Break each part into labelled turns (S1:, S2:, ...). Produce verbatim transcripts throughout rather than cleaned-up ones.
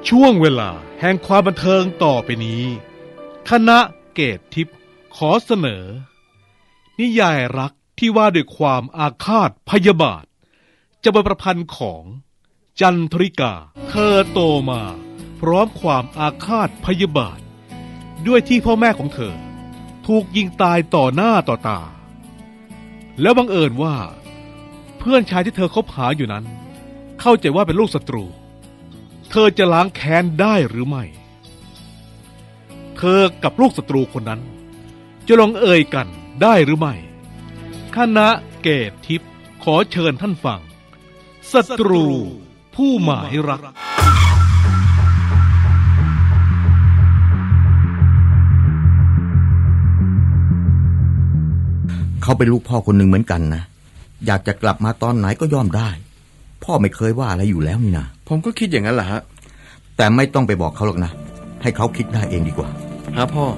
S1: ช่วงเวลาแห่งความบันเทิงต่อไปนี้คณะเกตทิพย์ขอเสนอนิยายรักที่ว่าด้วยความอาฆาตพยาบาทจะเป็นประพันธ์ของจันทริกาเธอโตมาพร้อมความอาฆาตพยาบาทด้วยที่พ่อแม่ของเธอถูกยิงตายต่อหน้าต่อตาแล้วบังเอิญว่าเพื่อนชายที่เธอคบหาอยู่นั้นเข้าใจว่าเป็นลูกศัตรูเธอจะล้างแค้นได้หรือไม่เธอกับลูกศัตรูคนนั้นจะลงเอ่ยกันได้หรือไม่คณะเกตทิพย์ขอเชิญท่านฟังศัตรูผู้หมายรัก
S2: เขาเป็นลูกพ่อคนหนึ่งเหมือนกันนะอยากจะกลับมาตอนไหนก็ย่อมได้พ่อไม่เคยว่าอะไรอยู่แล้วนี่นะ
S3: ผมก็คิดอย่างนั้นแหละฮะ
S2: แต่ไม่ต้องไปบอกเขาหรอกนะให้เขาคิดได้เองดีกว่า
S3: ฮะพ่อ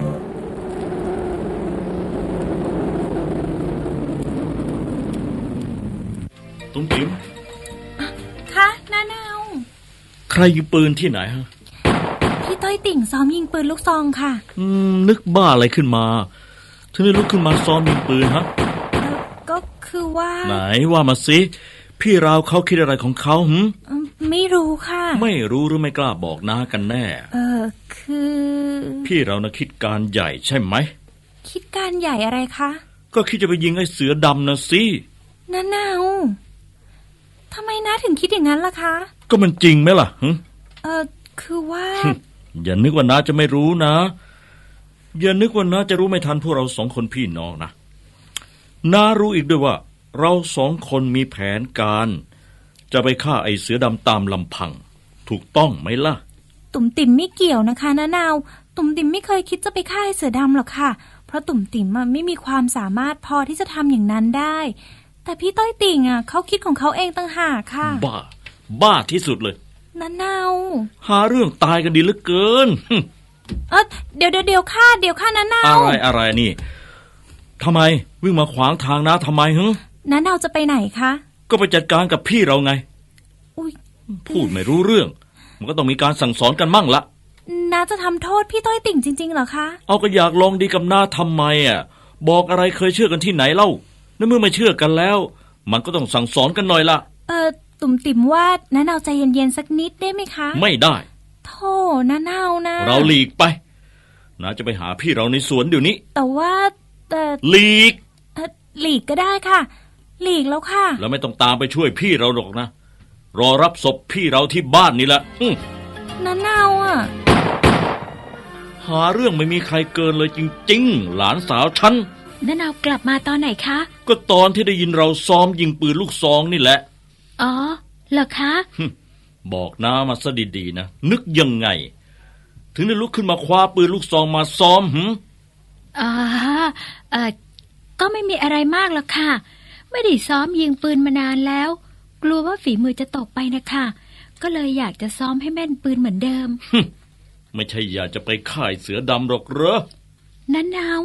S4: ตุ้มติ๋ม
S5: คะน้าแนว
S4: ใครยิงปืนที่ไหนฮะ
S5: พี่ต้อยติ่งซ้อมยิงปืนลูกซองค่ะ
S4: อืมนึกบ้าอะไรขึ้นมาถึงได้ลุกขึ้นมาซ้อมยิงปืนฮะ
S5: ก็คือว่า
S4: ไหนว่ามาสิพี่ราวเขาคิดอะไรของเขาหืม
S5: ไม่รู้ค่ะ
S4: ไม่รู้หรือไม่กล้าบอกน้ากันแน่
S5: เออคือ
S4: พี่เรานะคิดการใหญ่ใช่ไหม
S5: คิดการใหญ่อะไรคะ
S4: ก็คิดจะไปยิงไอ้เสือดำนะสิ
S5: น้าแนวทำไมน้าถึงคิดอย่างนั้นล่ะคะ
S4: ก็มันจริงไหมล่ะหึ
S5: เออคือว่า
S4: อย่านึกว่าน้าจะไม่รู้นะอย่านึกว่าน้าจะรู้ไม่ทันพวกเราสองคนพี่น้องนะน้ารู้อีกด้วยว่าเราสองคนมีแผนการจะไปฆ่าไอ้เสือดำตามลำพังถูกต้องไหมล่ะ
S5: ตุ่มติ่มไม่เกี่ยวนะคะน้านาวตุ่มติ่มไม่เคยคิดจะไปฆ่าไอ้เสือดำหรอกค่ะเพราะตุ่มติ่มไม่มีความสามารถพอที่จะทำอย่างนั้นได้แต่พี่ต้อยติ่งอ่ะเขาคิดของเขาเองต่างหากค่ะ
S4: บ้าบ้าที่สุดเลย
S5: น้านาว
S4: หาเรื่องตายกันดีเหลือเกิน
S5: เออเดี๋ยวเดี๋ยวเดี๋ยวค่ะเดี๋ยวค่ะน้านาว
S4: อะไรอะไรนี่ทำไมวิ่งมาขวางทางน้าทำไมฮึ
S5: น้านาวจะไปไหนคะ
S4: ก็ไปจัดการกับพี่เราไง
S5: อุ๊ย
S4: พูดไม่รู้เรื่องมันก็ต้องมีการสั่งสอนกันมั่งละ
S5: น้าจะทำโทษพี่ต้อยติ่งจริงๆเหรอคะ
S4: เอาก็อยากลองดีกับน้าทำไมอ่ะบอกอะไรเคยเชื่อกันที่ไหนเล่าในเมื่อไม่เชื่อกันแล้วมันก็ต้องสั่งสอนกันหน่อยละ
S5: เออตุ่มติ่มว่าน้านาวใจเย็นๆสักนิดได้ไหมคะ
S4: ไม่ได้
S5: โธ่น้านาวนะ
S4: เราหลีกไปน้าจะไปหาพี่เราในสวนเดี๋ยวนี้
S5: แต่ว่าแต่
S4: หลีก
S5: หลีกก็ได้ค่ะหลีกแล้วค่ะ
S4: แล้วไม่ต้องตามไปช่วยพี่เราหรอกนะรอรับศพพี่เราที่บ้านนี่แหละ
S5: น้านาวอ่ะ
S4: หาเรื่องไม่มีใครเกินเลยจริงๆหลานสาวฉัน
S5: น้านาวกลับมาตอนไหนคะ
S4: ก็ตอนที่ได้ยินเราซ้อมยิงปืนลูกซองนี่แหละ
S5: อ๋อเหรอคะ
S4: บอกน้ามาซะดีๆนะนึกยังไงถึงได้ลุกขึ้นมาคว้าปืนลูกซองมาซ้อมหืม
S5: อ่าเอ่อก็ไม่มีอะไรมากหรอกค่ะไม่ได้ซ้อมยิงปืนมานานแล้วกลัวว่าฝีมือจะตกไปนะคะก็เลยอยากจะซ้อมให้แม่นปืนเหมือนเดิม
S4: ไม่ใช่อยากจะไปฆ่าเสือดำหรอกเหรอ
S5: นั่นเอา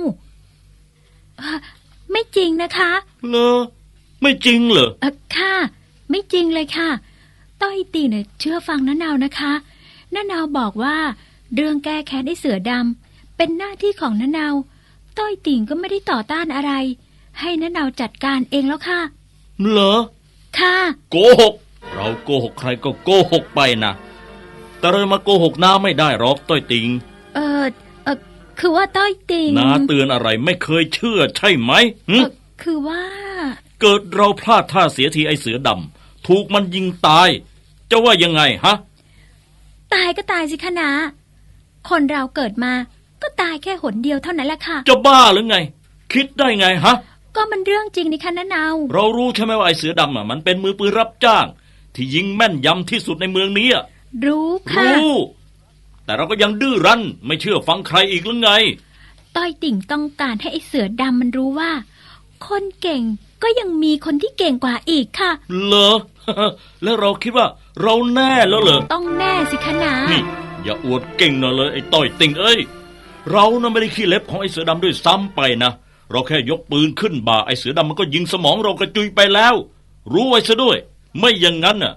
S5: ไม่จริงนะคะ
S4: เหรอไม่จริงเหรอ
S5: เออค่ะไม่จริงเลยค่ะต้อยตีเนี่ยเชื่อฟังน้านาวนะคะน้านาวบอกว่าเรื่องแก้แค้นไอ้เสือดำเป็นหน้าที่ของน้านาวต้อยติ่งก็ไม่ได้ต่อต้านอะไรให้น้านาวจัดการเองแล้วค่ะ
S4: เหรอ
S5: ค่ะ
S4: โกหกเราโกหกใครก็โกหกไปนะแต่เรามาโกหกน้าไม่ได้หรอกต้อยติ่ง
S5: เออเออคือว่าต้อยติ่ง
S4: น้าเตือนอะไรไม่เคยเชื่อใช่ไหม
S5: เออคือว่า
S4: เกิดเราพลาดท่าเสียทีไอเสือดำถูกมันยิงตายจะว่ายังไงฮะ
S5: ตายก็ตายสิคะน้าคนเราเกิดมาก็ตายแค่หนเดียวเท่านั้นแหละค่ะ
S4: จะบ้าหรือไงคิดได้ไงฮะ
S5: ก็มันเรื่องจริงนี่คะน้านาว
S4: เรารู้ใช่ไหมว่าไอ้เสือดำอ่ะมันเป็นมือปืนรับจ้างที่ยิงแม่นยำที่สุดในเมืองนี้
S5: รู้ค่ะ
S4: รู้แต่เราก็ยังดื้อรั้นไม่เชื่อฟังใครอีกหรือไง
S5: ต้อยติ่งต้องการให้ไอ้เสือดำมันรู้ว่าคนเก่งก็ยังมีคนที่เก่งกว่าอีกค่ะ
S4: เหรอ แล้วเราคิดว่าเราแน่แล้วเหรอ
S5: ต้องแน่สิคะน้า
S4: นี่อย่าอวดเก่งหน่อยเลยไอ้ต้อยติ่งเอ้ยเราน่ะไม่ได้ขี้เล็บของไอ้เสือดำด้วยซ้ำไปนะเราแค่ยกปืนขึ้นบ่าไอ้เสือดำมันก็ยิงสมองเรากระจุยไปแล้วรู้ไว้ซะด้วยไม่อย่างนั้นน่ะ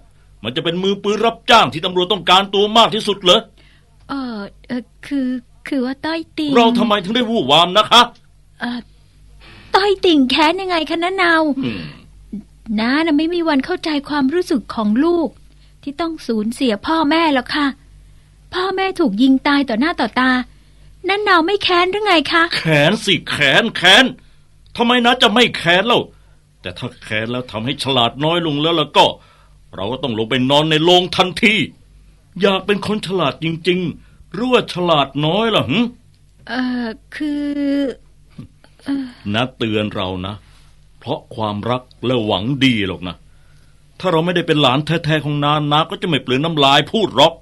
S4: มันจะเป็นมือปืนรับจ้างที่ตำรวจต้องการตัวมากที่สุดเหรอ
S5: เออเออคือคือว่าต้อยติ่ง
S4: เราทำไมถึงได้วู่วามนะคะ
S5: เออต้อยติ่งแค้นยังไงคะน้าเนา
S4: อืม
S5: น้าน่ะไม่มีวันเข้าใจความรู้สึกของลูก ที่ต้องสูญเสียพ่อแม่หรอกค่ะ พ่อแม่ถูกยิงตายต่อหน้าต่อตาน้าเนาไม่แค้นหรือไงคะ
S4: แขนสิแขนแขนทำไมนะจะไม่แขนเล่าแต่ถ้าแขนแล้วทำให้ฉลาดน้อยลงแล้วแล้วก็ เราก็ต้องลงไปนอนในโรงทันที อยากเป็นคนฉลาดจริงๆหรือว่าฉลาดน้อยล่ะหึ
S5: เออคือ
S4: นะเตือนเรานะเพราะความรักและหวังดีหรอกนะถ้าเราไม่ได้เป็นหลานแท้ๆของนานาก็จะไม่เปลืองน้ำลายพูดหรอก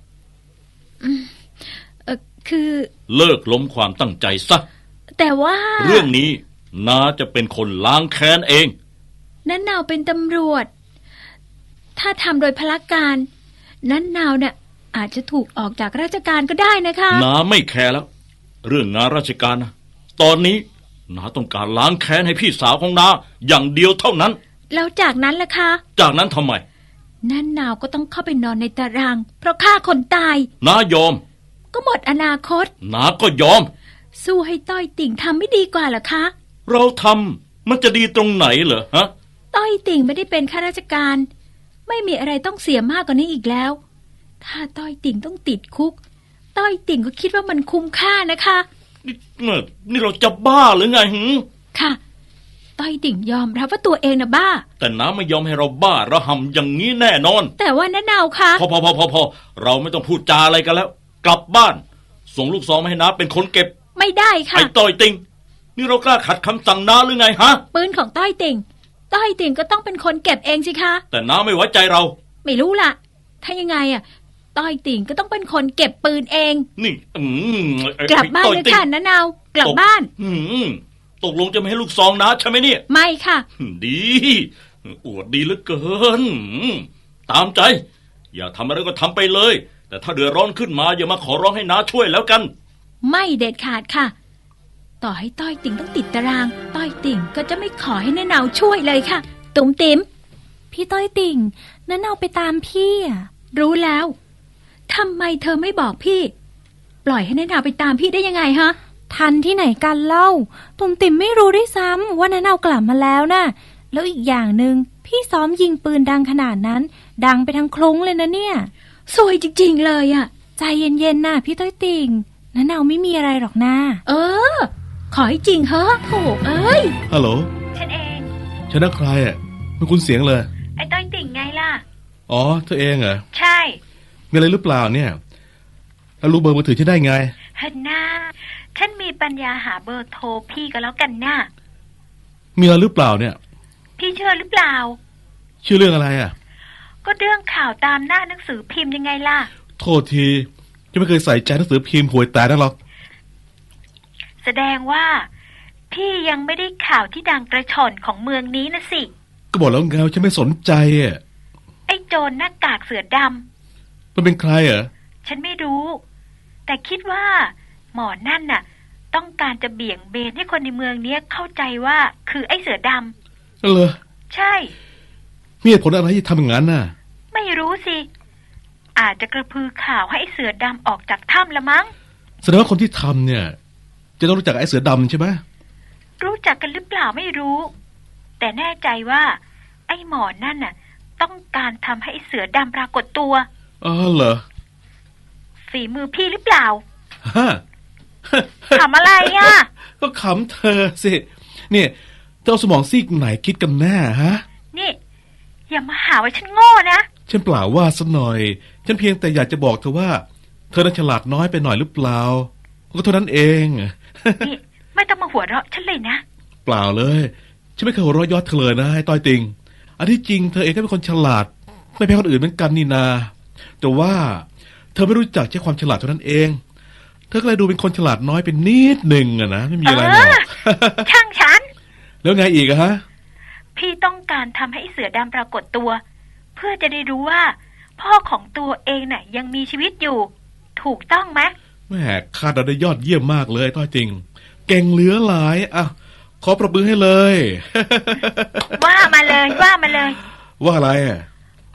S5: เออคือ
S4: เลิกล้มความตั้งใจซะ
S5: แต่ว่า
S4: เรื่องนี้นาจะเป็นคนล้างแค้นเอง
S5: น้าเนาเป็นตำรวจ ถ้าทำโดยพละการน้าเนาเนี่ยอาจจะถูกออกจากราชการก็ได้นะคะ
S4: นาไม่แคร์แล้ว เรื่องงานราชการนะตอนนี้นาต้องการล้างแค้นให้พี่สาวของนาอย่างเดียวเท่านั้น
S5: แล้วจากนั้นล่ะคะ
S4: จากนั้นทำไม
S5: น้าเนาก็ต้องเข้าไปนอนในตาราง เพราะฆ่าคนตาย
S4: นายอม
S5: ก็หมดอนาคต
S4: นาก็ยอม
S5: สู้ให้ต้อยติ่งทำไม่ดีกว่าเหรอคะ
S4: เราทำมันจะดีตรงไหนเหรอฮะ
S5: ต้อยติ่งไม่ได้เป็นข้าราชการ ไม่มีอะไรต้องเสียมากกว่านี้อีกแล้ว ถ้าต้อยติ่งต้องติดคุก ต้อยติ่งก็คิดว่ามันคุ้มค่านะคะ
S4: นี่นี่เราจะบ้าหรือไงหึ
S5: ค่ะ ต้อยติ่งยอมรับว่าตัวเองนะบ้า
S4: แต่น้าไม่ยอมให้เราบ้าระห่ำอย่างนี้แน่นอน
S5: แต่ว่าน้าเนาคะ
S4: พอพอพอพอพอเราไม่ต้องพูดจาอะไรกันแล้ว กลับบ้าน ส่งลูกซองมาให้น้าเป็นคนเก็บ
S5: ไม่ได้ค่ะ
S4: ไอ้ต้อยติงนี่เรากล้าขัดคำสั่งน้าหรือไงฮะ
S5: ปืนของต้อยติ่ง ต้อยติ่งก็ต้องเป็นคนเก็บเองสิคะ
S4: แต่น้าไม่ไว้ใจเรา
S5: ไม่รู้ล่ะ ถ้ายังไงอ่ะ ต้อยติ่งก็ต้องเป็นคนเก็บปืนเอง
S4: นี่อืมไอ้
S5: กลับบ้าน
S4: ต้อ
S5: เลย
S4: ติ่ง
S5: ค่ะน้าเนากลับ
S4: ตก
S5: บ้าน
S4: อืมตกลงจะไม่ให้ลูกซองน้าใช่ไหมเนี่ย
S5: ไม่ค่ะ
S4: ดีอวดดีเหลือเกินอืมตามใจ อย่าทำอะไรก็ทำไปเลย แต่ถ้าเดือดร้อนขึ้นมาอย่ามาขอร้องให้น้าช่วยแล้วกัน
S5: ไม่เด็ดขาดค่ะ ต่อให้ต้อยติ่งต้องติดตาราง ต้อยติ่งก็จะไม่ขอให้น้าเนาช่วยเลยค่ะ ตุ๋มติ๋ม
S6: พี่ต้อยติ่งน้าเนาไปตามพี่อ่ะ
S5: รู้แล้วทำไมเธอไม่บอกพี่ ปล่อยให้น้าเนาไปตามพี่ได้ยังไงฮะ
S6: ทันที่ไหนกันเล่าตุ่มติ่มไม่รู้ด้วยซ้ำว่าน้าเนากลับมาแล้วน่ะ แล้วอีกอย่างหนึ่งพี่ซ้อมยิงปืนดังขนาดนั้น ดังไปทั้งคลุ้งเลยนะเนี่ย
S5: สวยจริงๆเลยอ่ะ
S6: ใจเย็นๆน่ะพี่ต้อยติ่งน้าเนาไม่มีอะไรหรอกนะ
S5: เออ ขอให้จริงเหอะโถเอ้ย
S1: ฮัลโหล
S5: ฉันเอง
S1: ฉันนักใครอ่ะไม่คุ้นเสียงเลย
S5: ไอ้ต้อยติ่งไงล่ะ
S1: อ๋อเธอเองเหรอ
S5: ใช่
S1: มีอะไรหรือเปล่าเนี่ย แล้วรู้เบอร์มือถือฉันได้ไง
S5: ฮันน่าฉันมีปัญญาหาเบอร์โทรพี่ก็แล้วกันน่ะ
S1: มีอะไรหรือเปล่าเนี่ย
S5: พี่เชื่อหรือเปล่า
S1: ชื่อเรื่องอะไรอ่ะ
S5: ก็เรื่องข่าวตามหน้าหนังสือพิมพ์ยังไงล่ะ
S1: โทษทียังไม่เคยใส่ใจหนังสือพิมพ์หวยแตกนั่นหรอก
S5: แสดงว่า พี่ยังไม่ได้ข่าวที่ดังกระชอนของเมืองนี้นะสิ
S1: ก็บอกแล้วไงว่าฉันไม่สนใจอ่ะ
S5: ไอ้โจรหน้ากากเสือด
S1: มันเป็นใครเหรอ
S5: ำฉันไม่รู้ แต่คิดว่า หมอนั่นน่ะ ต้องการจะเบี่ยงเบนให้คนในเมืองนี้เข้าใจว่าคือไอ้เสือด
S1: นั่นเหรอ
S5: ำใช่
S1: มีเหตุผลอะไรที่ทำอย่างนั้นน่ะ
S5: ไม่รู้สิ อาจจะกระพือข่าวให้ไอ้เสือดำออกจากถ้ำละมั้ง
S1: แสดงว่าคนที่ทำเนี่ย จะต้องรู้จักไอ้เสือดำใช่ไหม
S5: รู้จักกันหรือเปล่าไม่รู้ แต่แน่ใจว่า ไอ้หมอนั่นน่ะ ต้องการทำให้ไอ้เสือดำปรากฏตัว
S1: อ๋อเหรอ
S5: ฝีมือพี่หรือเปล่า
S1: ฮะ
S5: ทำอะไรอ่ะ
S1: ก็ขำเธอสิ เนี่ยเธอเอาสมองซีกไหนคิดกันแน่ฮะ
S5: นี่ อย่ามาหาว่าฉันโง่นะ
S1: ฉันเปล่าว่าสักหน่อย ฉันเพียงแต่อยากจะบอกเธอว่า เธอน่าฉลาดน้อยไปหน่อยหรือเปล่า ก็เท่านั้นเอง
S5: นี่ ไม่ต้องมาหัวเราะฉันเลยนะ
S1: เปล่าเลย ฉันไม่เคยหัวเราะเยอดเธอเลยนะไอ้ต้อยติง อันที่จริงเธอเองก็เป็นคนฉลาด ไม่แพ้คนอื่นเหมือนกันนี่นา แต่ว่าเธอไม่รู้จักใช้ความฉลาดเท่านั้นเอง เธอก็เลยดูเป็นคนฉลาดน้อยเป็นนิดหนึ่งอะนะไม่มีอะไรหรอก
S5: ช่างฉัน
S1: แล้วไงอีกอะฮะ
S5: พี่ต้องการทำให้ไอ้เสือดำปรากฏตัว เพื่อจะได้รู้ว่า พ่อของตัวเองน่ะ ยังมีชีวิตอยู่ ถูกต้องไหม
S1: แม่คาดเราได้ยอดเยี่ยมมากเลยต้อยติง เก่งเหลือหลายอ่ะขอประมือให้เลย
S5: ว่ามาเลยว่ามาเลย
S1: ว่าอะไรอ่ะ
S5: ก็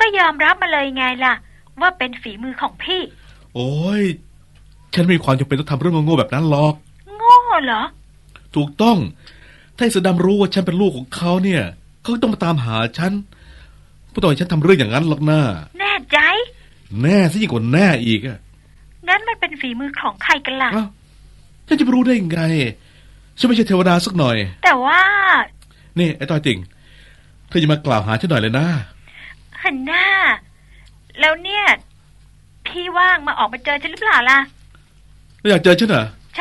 S5: ยอมรับมาเลยไงล่ะว่าเป็นฝีมือของพี่
S1: โอ้ยฉันไม่มีความจำเป็นต้องทำเรื่องโง่ๆแบบนั้นหรอก
S5: โง่เหรอ
S1: ถูกต้องถ้าไอ้เสือดำรู้ว่าฉันเป็นลูกของเขาเนี่ยเขาก็ต้องมาตามหาฉันไม่ต้องให้ฉันทำเรื่องอย่างนั้นหรอกนะ
S5: แน่ใจ
S1: แน่ซะยิ่งกว่าแน่อีกอะ
S5: งั้นมันเป็นฝีมือของใครกันล่ะ
S1: อ้าวฉันจะไปรู้ได้ยังไงฉันไม่ใช่เทวดาสักหน่อย
S5: แต่ว่า
S1: นี่ไอ้ต้อยติ่งเธออย่ามากล่าวหาฉันหน่อยเลยนะ
S5: หันหน้า แล้วเนี่ย พี่ว่างมาออกมาเจอฉันหรือเปล่าล่ะ
S1: ไม่อยากเจอฉันเหรอ
S5: ใช่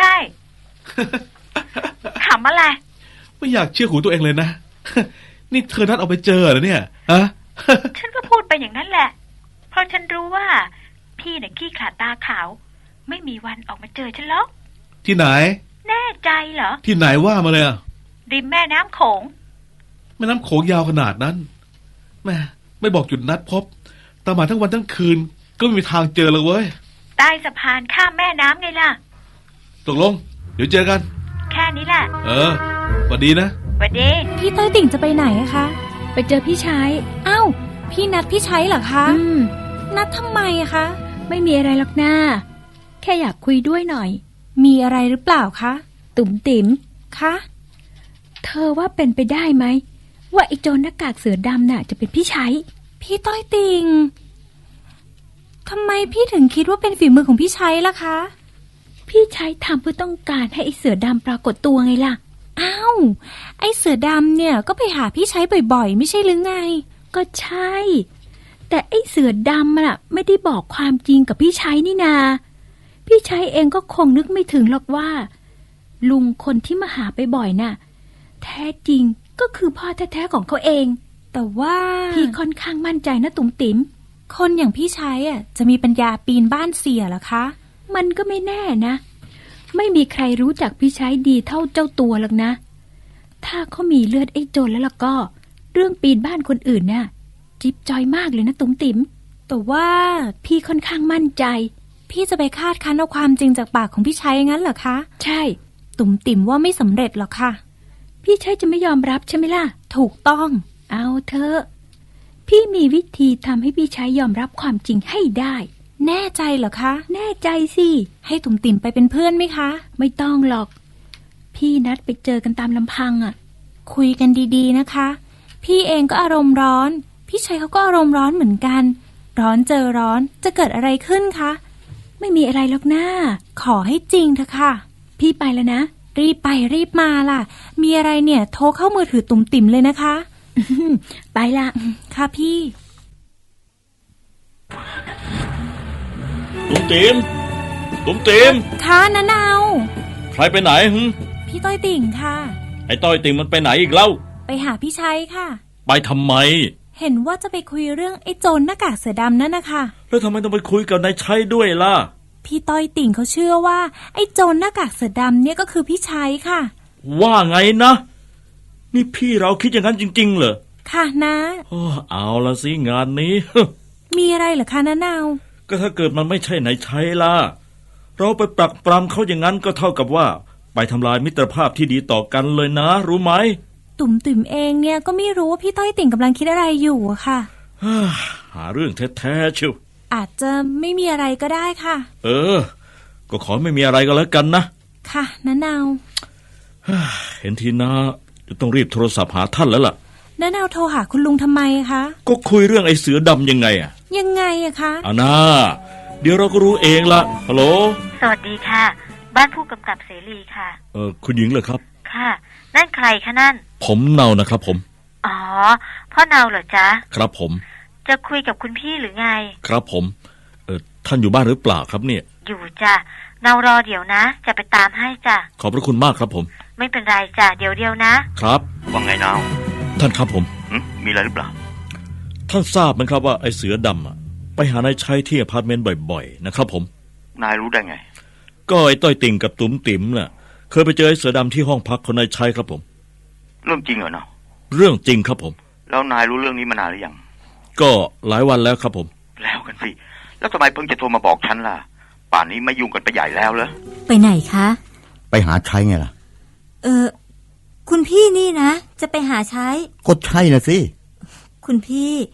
S5: ขำอะไร
S1: ไม่อยากเชื่อหูตัวเองเลยนะ นี่เธอนัดเอาไปเจอเหรอเนี่ยฮะ
S5: ฉันก็พูดไปอย่างนั้นแหละ เพราะฉันรู้ว่า พี่เนี่ยขี้ขลาดตาขาว ไม่มีวันออกมาเจอฉันหรอก
S1: ที่ไหน
S5: แน่ใจเหรอ
S1: ที่ไหนว่ามาเลยอะ
S5: ริมแม่น้ำโขง
S1: แม่น้ำโขงยาวขนาดนั้นแม่ไม่บอกจุดนัดพบตามหาทั้งวันทั้งคืนก็ไม่มีทางเจอเลยเว้ย
S5: ใต้สะพานข้ามแม่น้ำไงล่ะ
S1: ตกลง เดี๋ยวเจอกัน
S5: แค่นี้แหละ
S1: เออสวัสดีนะ
S5: หวัดดี
S6: พี่ต้อยติ่งจะไปไหนอะคะ
S5: ไปเจอพี่ชาย
S6: อ้าวพี่นัดพี่ชัยเหรอคะ
S5: อืม
S6: นัดทำไมอะคะ
S5: ไม่มีอะไรหรอกน้าแค่อยากคุยด้วยหน่อย
S6: มีอะไรหรือเปล่าคะ
S5: ตุ่มติ๋ม
S6: คะ
S5: เธอว่าเป็นไปได้ไหมว่าไอ้โจรหน้ากากเสือดำน่ะจะเป็นพี่ชัย
S6: พี่ต้อยติ่งทำไมพี่ถึงคิดว่าเป็นฝีมือของพี่ชัยล่ะคะ
S5: พี่ชัยทำเพื่อต้องการให้ไอ้เสือดำปรากฏตัวไงล่ะ
S6: อ้าวไอเสือดำเนี่ยก็ไปหาพี่ชัยบ่อยๆ ไม่ใช่หรือไง
S5: ก็ใช่ แต่ไอ้เสือดำน่ะไม่ได้บอกความจริงกับพี่ชัยนี่นา พี่ชัยเองก็คงนึกไม่ถึงหรอกว่า ลุงคนที่มาหาไปบ่อยน่ะ แท้จริงก็คือพ่อแท้ๆของเขาเอง
S6: แต่ว่า
S5: พี่ค่อนข้างมั่นใจนะตุ๋มติ๋ม
S6: คนอย่างพี่ชัยอ่ะจะมีปัญญาปีนบ้านเสียเหรอคะ
S5: มันก็ไม่แน่นะ ไม่มีใครรู้จักพี่ชัยดีเท่าเจ้าตัวหรอกนะ ถ้าเขามีเลือดไอ้โจรแล้วล่ะก็ เรื่องปีนบ้านคนอื่นน่ะจิ๊บจอยมากเลยนะตุ๋มติ๋ม
S6: แต่ว่า
S5: พี่ค่อนข้างมั่นใจ
S6: พี่จะไปคาดคั้นเอาความจริงจากปากของพี่ชัยงั้นเหรอคะ
S5: ใช่
S6: ตุ่มติ่มว่าไม่สำเร็จหรอกค่ะ
S5: พี่ชัยจะไม่ยอมรับใช่ไหมล่ะ
S6: ถูกต้อง
S5: เอาเถอะพี่มีวิธีทำให้พี่ชัยยอมรับความจริงให้ได้
S6: แน่ใจเหรอคะ
S5: แน่ใจสิ
S6: ให้ตุ่มติ่มไปเป็นเพื่อนไหมคะ
S5: ไม่ต้องหรอก พี่นัดไปเจอกันตามลำพังอ่ะ
S6: คุยกันดีๆนะคะ พี่เองก็อารมณ์ร้อน พี่ชัยเขาก็อารมณ์ร้อนเหมือนกัน ร้อนเจอร้อนจะเกิดอะไรขึ้นคะ
S5: ไม่มีอะไรหรอกนะ
S6: ขอให้จริงเถอะค่ะ
S5: พี่ไปแล้วนะ
S6: รีบไปรีบมาล่ะ มีอะไรเนี่ยโทรเข้ามือถือตุ่มติ่มเลยนะคะ
S5: ไปละ
S6: ค่ะพี่
S4: ตุ้มติมตุ้มติม
S6: ค่ะน้าเนา
S4: ใครไปไหนหึ
S6: พี่ต้อยติ่งค่ะ
S4: ไอ้ต้อยติงมันไปไหนอีกเล่า
S6: ไปหาพี่ชัยค่ะ
S4: ไปทำไม
S6: เห็นว่าจะไปคุยเรื่องไอ้โจรหน้ากากเสือดำนั่นนะคะ
S4: แล้วทำไมต้องไปคุยกับนายชัยด้วยล่ะ
S6: พี่ต้อยติ่งเขาเชื่อว่าไอ้โจรหน้ากากเสือดำเนี่ยก็คือพี่ชัยค่ะ
S4: ว่าไงนะ นี่พี่เราคิดอย่างนั้นจริงๆเหรอ
S6: ค่ะนะ
S4: โอ้เอาละสิงานนี้
S6: มีอะไรเหรอคะน้าเนา
S4: ก็ถ้าเกิดมันไม่ใช่นายชัยล่ะ เราไปปรักปรำเขาอย่างนั้นก็เท่ากับว่า ไปทำลายมิตรภาพที่ดีต่อกันเลยนะ รู้ไหม
S6: ตุ่มติ่มเองเนี่ยก็ไม่รู้ว่าพี่ต้อยติ่งกำลังคิดอะไรอยู่อะค่ะ
S4: หาเรื่องแท้ๆเชียว
S6: อาจจะไม่มีอะไรก็ได้ค่ะ
S4: เออ ก็ขอไม่มีอะไรก็แล้วกันนะ
S6: ค่ะน้าเนา
S4: เห็นทีนะจะต้องรีบโทรศัพท์หาท่านแล้วล่ะ
S6: น้าเนาโทรหาคุณลุงทำไมคะ
S4: ก็คุยเรื่องไอ้เสือดำยังไงอะ
S6: ยังไงอะคะ
S4: เอานะเดี๋ยวเราก็รู้เองละฮัลโหล
S7: สวัสดีค่ะ บ้านผู้กำกับเสรีค่ะ
S4: เออคุณหญิงเหรอครับ
S7: ค่ะ นั่นใครคะนั่น
S4: ผมเนานะครับผม
S7: อ๋อ พ่อเนาเหรอจ๊ะ
S4: ครับผม
S7: จะคุยกับคุณพี่หรือไง
S4: ครับผมเออท่านอยู่บ้านหรือเปล่าครับเนี่ย
S7: อยู่จ้ะ เนารอเดี๋ยวนะ จะไปตามให้จ้ะ
S4: ขอบพระคุณมากครับผม
S7: ไม่เป็นไรจ้ะ เดี๋ยวเดียวนะ
S4: ครับ
S8: ว่าไงนาว
S4: ท่านครับผม
S8: หึมีอะไรหรือเปล่า
S4: ท่านทราบไหมครับว่าไอ้เสือดำอะไปหานายชัยที่อพาร์ตเมนต์บ่อยๆนะครับผม
S8: นายรู้ได้ไง
S4: ก็ไอ้ต้อยติ่งกับตุ๋มติ๋มน่ะเคยไปเจอไอ้เสือดำที่ห้องพักของนายชัยครับผม
S8: เรื่องจริงเหรอเนาะ
S4: เรื่องจริงครับผม
S8: แล้วนายรู้เรื่องนี้มานานหรือยัง
S4: ก็หลายวันแล้วครับผม
S8: แล้วกันสิ แล้วทำไมเพิ่งจะโทรมาบอกฉันล่ะ ป่านนี้ไม่ยุ่งกันไปใหญ่แล้วเหรอ
S9: ไปไหนคะ
S2: ไปหาชัยไงล่ะ
S9: เออคุณพี่นี่นะจะไปหาใช้
S2: ก็ใช่นะสิ
S9: คุณพี่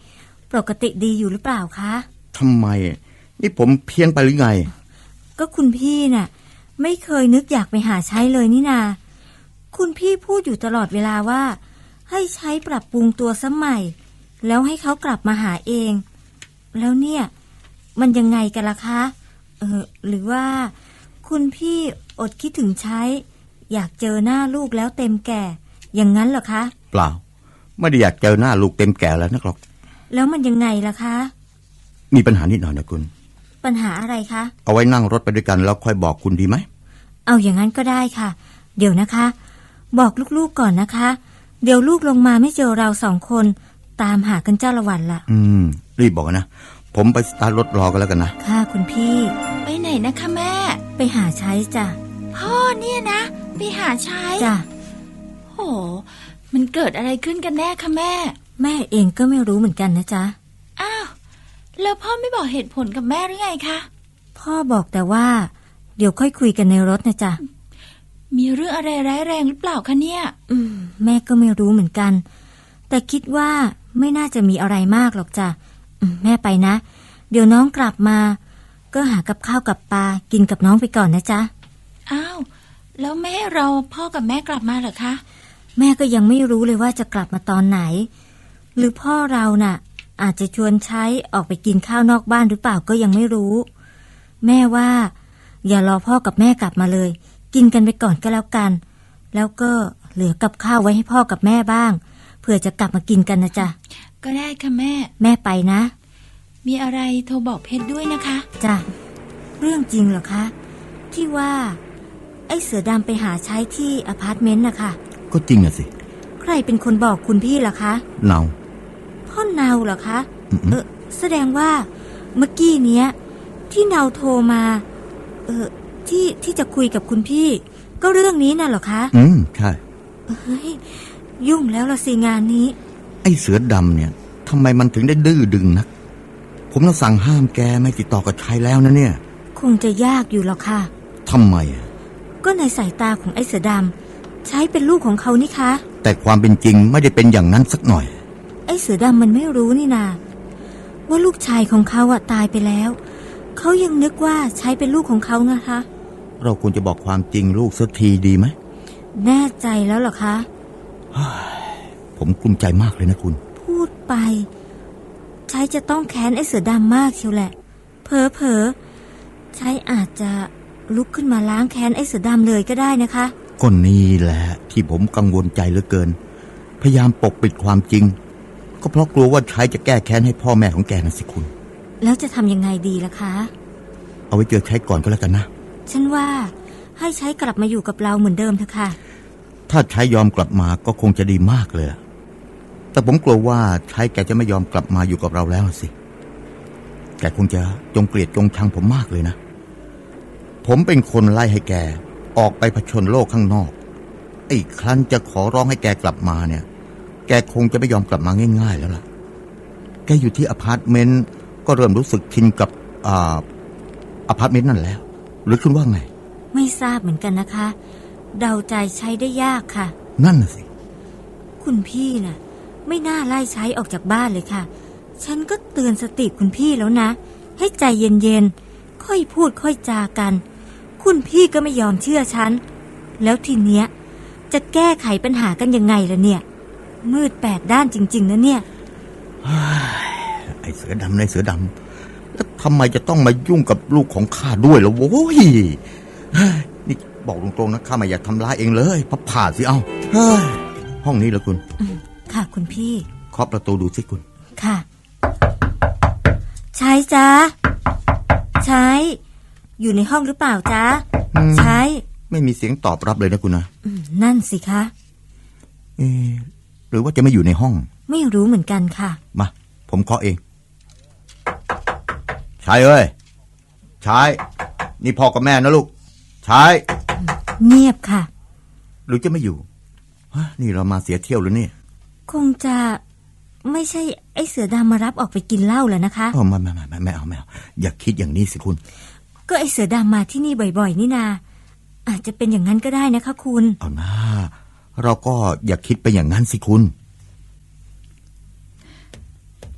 S9: ปกติดีอยู่หรือเปล่าคะ
S2: ทำไมนี่ผมเพี้ยนไปหรือไง
S9: ก็คุณพี่น่ะไม่เคยนึกอยากไปหาใช้เลยนี่นาคุณพี่พูดอยู่ตลอดเวลาว่าให้ใช้ปรับปรุงตัวสมัยแล้วให้เขากลับมาหาเองแล้วเนี่ยมันยังไงกันล่ะคะเออหรือว่าคุณพี่อดคิดถึงใช้อยากเจอหน้าลูกแล้วเต็มแก่อย่างนั้นเหรอคะ
S2: เปล่าไม่ได้อยากเจอหน้าลูกเต็มแก่แล้วนักหรอก
S9: แล้วมันยังไงล่ะคะ
S2: มีปัญหานิดหน่อยนะคุณ
S9: ปัญหาอะไรคะ
S2: เอาไว้นั่งรถไปด้วยกันแล้วค่อยบอกคุณดีไหม
S9: เอาอย่างนั้นก็ได้ค่ะเดี๋ยวนะคะบอกลูกๆก่อนนะคะเดี๋ยวลูกลงมาไม่เจอเราสองคนตามหากันเจ้าละวันละ
S2: อืมรีบบอกนะผมไปสตาร์ทรถรอกันแล้วกันนะ
S9: ค่ะคุณพี่
S6: ไปไหนนะคะแม่
S9: ไปหาใช้จ้ะ
S6: พ่อเนี่ยนะไปหาใช้
S9: จ้ะ
S6: โหมันเกิดอะไรขึ้นกันแน่คะแม่
S9: แม่เองก็ไม่รู้เหมือนกันนะจ๊ะ
S6: อ้าวแล้วพ่อไม่บอกเหตุผลกับแม่หรือไงคะ
S9: พ่อบอกแต่ว่าเดี๋ยวค่อยคุยกันในรถนะจ๊ะ
S6: มีเรื่องอะไรร้ายแรงหรือเปล่าคะเนี่ย
S9: อืมแม่ก็ไม่รู้เหมือนกันแต่คิดว่าไม่น่าจะมีอะไรมากหรอกจ้ะแม่ไปนะเดี๋ยวน้องกลับมาก็หากับข้าวกับปลากินกับน้องไปก่อนนะจ๊ะ
S6: อ้าวแล้วแม่เราพ่อกับแม่กลับมาเหรอคะ
S9: แม่ก็ยังไม่รู้เลยว่าจะกลับมาตอนไหนหรือพ่อเราน่ะอาจจะชวนใช้ออกไปกินข้าวนอกบ้านหรือเปล่าก็ยังไม่รู้แม่ว่าอย่ารอพ่อกับแม่กลับมาเลยกินกันไปก่อนก็แล้วกันแล้วก็เหลือกับข้าวไว้ให้พ่อกับแม่บ้างเผื่อจะกลับมากินกันนะจ๊ะ
S6: ก็ได้ค่ะแม่
S9: แม่ไปนะ
S6: มีอะไรโทรบอกเพชรด้วยนะคะ
S9: จ้ะเรื่องจริงเหรอคะที่ว่าไอ้เสือดำไปหาใช้ที่อพาร์ตเมนต์นะคะ
S2: ก็จริงอะสิ
S9: ใครเป็นคนบอกคุณพี่ล่ะคะ
S2: เนา
S9: พ่อเนาเหรอคะเออแสดงว่าเมื่อกี้เนี้ยที่เนาโทรมาเออที่ที่จะคุยกับคุณพี่ก็เรื่องนี้น่ะเหรอคะ
S2: อืมใช่
S9: เฮ้ยยุ่งแล้วละสิงานนี้
S2: ไอ้เสือดำเนี่ยทำไมมันถึงได้ดื้อดึงนักผมต้องสั่งห้ามแกไม่ติดต่อกับใครแล้วนะเนี่ย
S9: คงจะยากอยู่หรอกค่ะ
S2: ทำไมอ่ะ
S9: ก็ในสายตาของไอ้เสือดำใช้เป็นลูกของเขานี่คะ
S2: แต่ความเป็นจริงไม่ได้เป็นอย่างนั้นสักหน่อย
S9: ไอ้เสือดำมันไม่รู้นี่นาว่าลูกชายของเขาอะตายไปแล้วเขายังนึกว่าใช้เป็นลูกของเขานะคะ
S2: เราควรจะบอกความจริงลูกสักทีดีไหม
S9: แน่ใจแล้วเหรอคะ
S2: ผมกลุ้มใจมากเลยนะคุณ
S9: พูดไปใช้จะต้องแค้นไอ้เสือดำมากเชียวแหละเผลอเผลอใช้อาจจะลุกขึ้นมาล้างแค้นไอ้เสือดำเลยก็ได้นะคะ
S2: ก็นี่แหละที่ผมกังวลใจเหลือเกินพยายามปกปิดความจริงก็เพราะกลัวว่าใช้จะแก้แค้นให้พ่อแม่ของแกนะสิคุณ
S9: แล้วจะทำยังไงดีล่ะคะ
S2: เอาไว้เจอใช้ก่อนก็แล้วกันนะ
S9: ฉันว่าให้ใช้กลับมาอยู่กับเราเหมือนเดิมเถอะค่ะ
S2: ถ้าใช้ยอมกลับมาก็คงจะดีมากเลยแต่ผมกลัวว่าใช้แกจะไม่ยอมกลับมาอยู่กับเราแล้วสิแกคงจะจงเกลียดจงชังผมมากเลยนะผมเป็นคนไล่ให้แกออกไปผจญโลกข้างนอกไอ้ครั้นจะขอร้องให้แกกลับมาเนี่ยแกคงจะไม่ยอมกลับมาง่ายๆแล้วล่ะแกอยู่ที่อพาร์ตเมนต์ก็เริ่มรู้สึกชินกับอ่าอพาร์ตเมนต์นั่นแล้วหรือคุณว่าไง
S9: ไม่ทราบเหมือนกันนะคะเดาใจใช้ได้ยากค่ะ
S2: นั่นน่ะสิ
S9: คุณพี่น่ะไม่น่าไล่ใช้ออกจากบ้านเลยค่ะฉันก็เตือนสติคุณพี่แล้วนะให้ใจเย็นๆค่อยพูดค่อยจากันคุณพี่ก็ไม่ยอมเชื่อฉันแล้วทีเนี้ยจะแก้ไขปัญหากันยังไงล่ะเนี่ยมืดแปดด้านจริงๆนะเนี่ย
S2: ไอ้เสือดำในเสือดำแล้วทำไมจะต้องมายุ่งกับลูกของข้าด้วยล่ะโว้ยนี่บอกตรงๆนะข้าไม่อยากทำร้ายเองเลยพับผ่าสิเอาห้องนี้เหรอคุณ
S9: ค่ะคุณพี่
S2: เคาะประตูดูสิคุณ
S9: ค่ะใช้จ้าใช้อยู่ในห้องหรือเปล่าจ๊ะใช้
S2: ไม่มีเสียงตอบรับเลยนะคุณนะ
S9: นั่นสิคะ
S2: เออหรือว่าจะไม่อยู่ในห้อง
S9: ไม่รู้เหมือนกันค่ะ
S2: มาผมเคาะเองชายเอ้ยชายนี่พ่อกับแม่นะลูกชาย
S9: เงียบค่ะ
S2: หรือจะไม่อยู่นี่เรามาเสียเที่ยวหรือเนี่ย
S9: คงจะไม่ใช่ไอ้เสือดำมารับออกไปกินเหล้าแล้วนะคะ
S2: อ๋อไม่ไม่ไม่ไม่เอาไม่เอาอย่าคิดอย่างนี้สิคุณ
S9: ก็ไอ้เสือดำมาที่นี่บ่อยๆนี่นาอาจจะเป็นอย่างนั้นก็ได้นะคะคุณ
S2: เอาหน้าเราก็อย่าคิดไปอย่างนั้นสิคุณ
S6: ค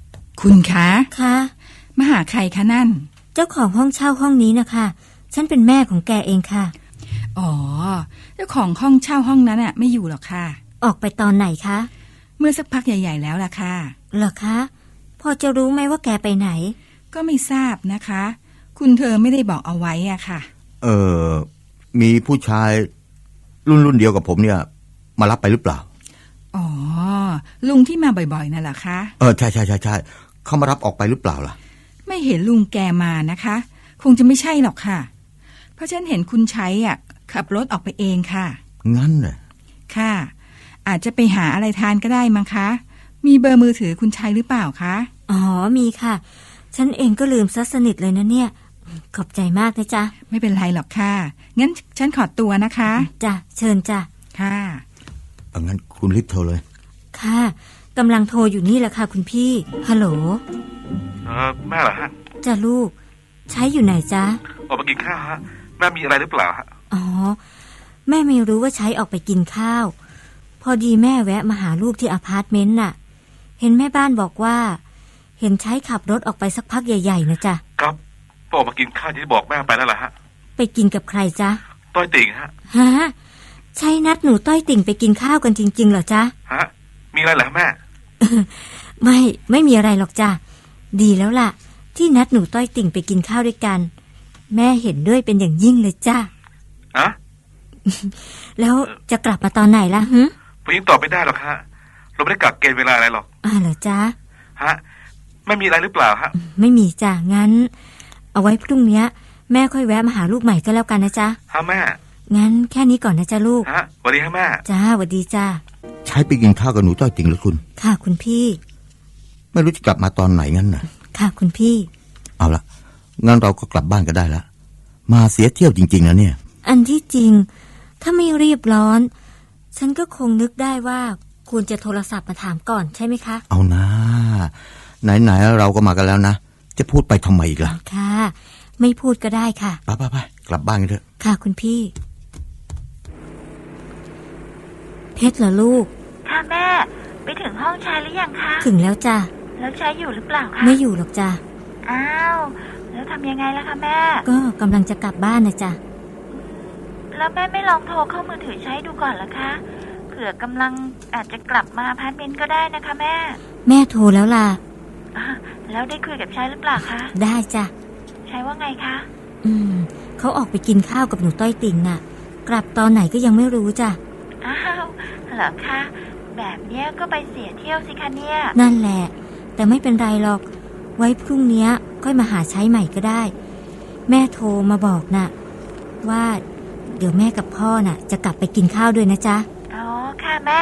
S10: คุณคะ
S9: คะ
S10: มาหาใครคะนั่น
S9: เจ้าของห้องเช่าห้องนี้นะคะฉันเป็นแม่ของแกเองค่ะ
S10: อ๋อเจ้าของห้องเช่าห้องนั้นอะไม่อยู่หรอกค่ะ
S9: ออกไปตอนไหนคะ
S10: เมื่อสักพักใหญ่ๆแล้วล่ะค่ะ
S9: เหรอคะพอจะรู้ไหมว่าแกไปไหน
S10: ก็ไม่ทราบนะคะ คุณเธอไม่ได้บอกเอาไว้อะค่ะ
S2: เออมีผู้ชายรุ่นรุ่นเดียวกับผมเนี่ย มารับไปหรือเปล่า
S10: อ๋อลุงที่มาบ่อยๆนั่นแหละคะ
S2: เออใช่ใช่ใช่ใช่เขามารับออกไปหรือเปล่าล่ะ
S10: ไม่เห็นลุงแกมานะคะ คงจะไม่ใช่หรอกค่ะ เพราะฉันเห็นคุณใช้อ่ะขับรถออกไปเองค่ะ
S2: งั้นเหรอ
S10: ค่ะ อาจจะไปหาอะไรทานก็ได้มั้งคะ มีเบอร์มือถือคุณชัยหรือเปล่าคะ
S9: อ๋อมีค่ะ ฉันเองก็ลืมซะสนิทเลยนะเนี่ยขอบใจมากนะจ๊ะ
S10: ไม่เป็นไรหรอกค่ะ งั้นฉันขอตัวนะคะ
S9: จ้ะเชิญจ้ะ
S10: ค่ะ
S2: เอางั้นคุณรีบโทรเลย
S9: ค่ะกำลังโทรอยู่นี่แหละค่ะคุณพี่ฮัลโหล
S11: เออแม่เหรอฮะ
S9: จ้ะลูกใช้อยู่ไหนจ๊ะ
S11: ออกไปกินข้าวฮะแม่มีอะไรหรือเปล่าฮะ
S9: อ๋อแม่ไม่รู้ว่าใช้ออกไปกินข้าวพอดีแม่แวะมาหาลูกที่อพาร์ตเมนต์น่ะเห็นแม่บ้านบอกว่าเห็นใช้ขับรถออกไปสักพักใหญ่ๆนะจ๊ะ
S11: ครับพอออกมากินข้าวที่บอกแม่ไปแล้วล่ะฮะ
S9: ไปกินกับใครจ๊ะ
S11: ต้อยติ่งฮะ
S9: ฮะใช่นัดหนูต้อยติ่งไปกินข้าวกันจริงๆเหรอจ๊ะ
S11: ฮะมีอะไรเหรอแม่
S9: ไม่ไม่มีอะไรหรอกจ้ะดีแล้วล่ะที่นัดหนูต้อยติ่งไปกินข้าวด้วยกันแม่เห็นด้วยเป็นอย่างยิ่งเลยจ้ะ
S11: อะ
S9: แล้วจะกลับมาตอนไหนล่ะฮึ
S11: ผมยังตอบไม่ได้หรอกฮะเราไม่ได้กักเกณฑ์เวลาอะไรหรอก
S9: อ่าเหรอจ๊ะ
S11: ฮะไม่มีอะไรหรือเปล่าฮะ
S9: ไม่มีจ้ะงั้น เอาไว้พรุ่งนี้แม่ค่อยแวะมาหาลูกใหม่ก็แล้วกันนะจ๊ะ
S11: ฮะแม่
S9: งั้นแค่นี้ก่อนนะจ๊ะลูก
S11: ฮะสวัสดีฮะแม่
S9: จ้าสวัสดีจ้า
S2: ใช้ไปกินข้าวกับหนูต้อยติ่งหรือคุณ
S9: ค่ะคุณพี่
S2: ไม่รู้จะกลับมาตอนไหนงั้นน่ะ
S9: ค่ะคุณพี่
S2: เอาละงั้นเราก็กลับบ้านก็ได้ละมาเสียเที่ยวจริงๆนะเนี่ย
S9: อันที่จริงถ้าไม่รีบร้อน ฉันก็คงนึกได้ว่าควรจะโทรศัพท์มาถามก่อนใช่ไหมคะ
S2: เอานะไหนๆเราก็มากันแล้วนะจะพูดไปทำไมอีกล่ะ
S9: ค่ะ ไม่พูดก็ได้ค่ะ
S2: ไปไปไปกลับบ้านกันเถอะ
S9: ค่ะคุณพี่ เพชรเหรอลูก
S7: ค่ะแม่ไปถึงห้องชายหรือยังคะ
S9: ถึงแล้วจ้ะ
S7: แล้วชายอยู่หรือเปล่าคะ
S9: ไม่อยู่หรอกจ้ะ
S7: อ้าวแล้วทำยังไงล่ะคะแม่
S9: ก็กำลังจะกลับบ้านนะจ้ะ
S7: แล้วแม่ไม่ลองโทรเข้ามือถือใช้ดูก่อนเหรอคะเผื่อกำลังอาจจะกลับมาอพาร์ตเมนต์ก็ได้นะคะแม่
S9: แม่โทรแล้วล่ะ
S7: อ่ะแล้วได้คุยกับชายหรือเปล่าคะ
S9: ได้จ้ะ
S7: ชายว่าไงคะ
S9: อืมเขาออกไปกินข้าวกับหนูต้อยติ่งน่ะ กลับตอนไหนก็ยังไม่รู้จ้ะ
S7: อ้าวเหรอคะแบบเนี้ยก็ไปเสียเที่ยวสิคะเนี่ย
S9: นั่นแหละ แต่ไม่เป็นไรหรอก ไว้พรุ่งนี้ค่อยมาหาใช้ใหม่ก็ได้ แม่โทรมาบอกน่ะ ว่าเดี๋ยวแม่กับพ่อน่ะ จะกลับไปกินข้าวด้วยนะจ๊ะ
S7: อ๋อค่ะแม่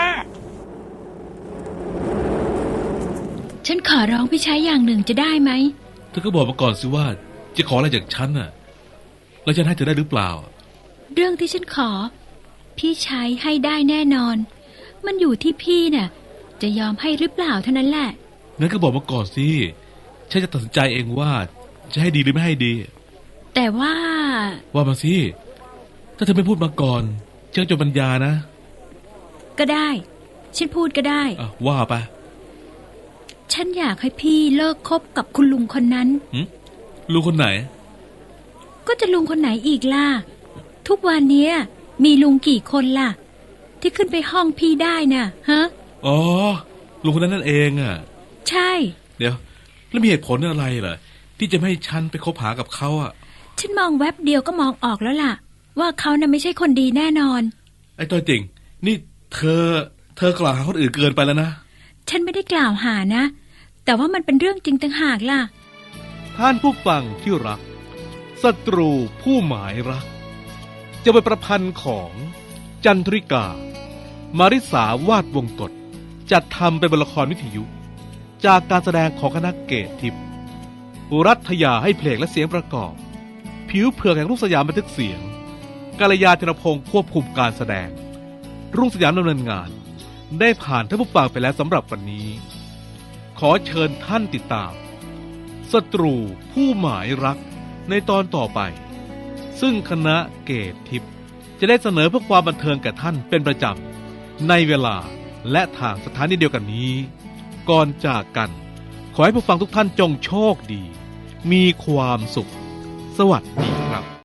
S5: ฉันขอร้องพี่ใช้อย่างหนึ่งจะได้ไหม
S1: เธอก็บอกมาก่อนสิว่าจะขออะไรจากฉันน่ะแล้วฉันให้เธอได้หรือเปล่า
S5: เรื่องที่ฉันขอ พี่ใช้ให้ได้แน่นอน มันอยู่ที่พี่น่ะ จะยอมให้หรือเปล่าเท่านั้นแหละ
S1: งั้นก็บอกมาก่อนสิฉันจะตัดสินใจเองว่าจะให้ดีหรือไม่ให้ดี
S5: แต่ว่า
S1: ว่ามาสิถ้าเธอไม่พูดมาก่อนฉันจะปัญญานะ
S5: ก็ได้ ฉันพูดก็ได้
S1: อ่ะว่าไป
S5: ฉันอยากให้พี่เลิกคบกับคุณลุงคนนั้น
S1: หึลุงคนไหน
S5: ก็จะลุงคนไหนอีกล่ะ ทุกวันเนี้ยมีลุงกี่คนล่ะ ที่ขึ้นไปห้องพี่ได้น่ะฮะ
S1: อ๋อลุงคนนั้นนั่นเองอ่ะ
S5: ใช่
S1: เดี๋ยวแล้วมีเหตุผลอะไรเหรอที่จะไม่ให้ฉันไปคบหากับเขาอ่ะ
S5: ฉันมองแวบเดียวก็มองออกแล้วล่ะ ว่าเขาน่ะไม่ใช่คนดีแน่นอน
S1: ไอ้ตัวจริงนี่เธอ เธอกล่าวหาคนอื่นเกินไปแล้วนะ
S5: ฉันไม่ได้กล่าวหานะ แต่ว่ามันเป็นเรื่องจริงต่างหากล่ะ
S1: ท่านผู้ฟังที่รักศัตรูผู้หมายรัก จะเป็นประพันธ์ของจันทริกา มาริสาวาดวงกฎจัดทำเป็นบทละครวิทยุ จากการแสดงของคณะเกตทิพย์รัฐยาให้เพลงและเสียงประกอบ ผิวเผือกแห่งรุ่งสยามบันทึกเสียงกาลยาธนพงศ์ควบคุมการแสดง รุ่งสยามดำเนินงาน ได้ผ่านท่านผู้ฟังไปแล้วสำหรับวันนี้ ขอเชิญท่านติดตามศัตรูผู้หมายรักในตอนต่อไป ซึ่งคณะเกตทิพย์จะได้เสนอเพื่อความบันเทิงแก่ท่านเป็นประจำในเวลาและทางสถานีเดียวกันนี้ ก่อนจากกัน ขขอให้ผู้ฟังทุกท่านจงโชคดี มีความสุข สวัสดีครับ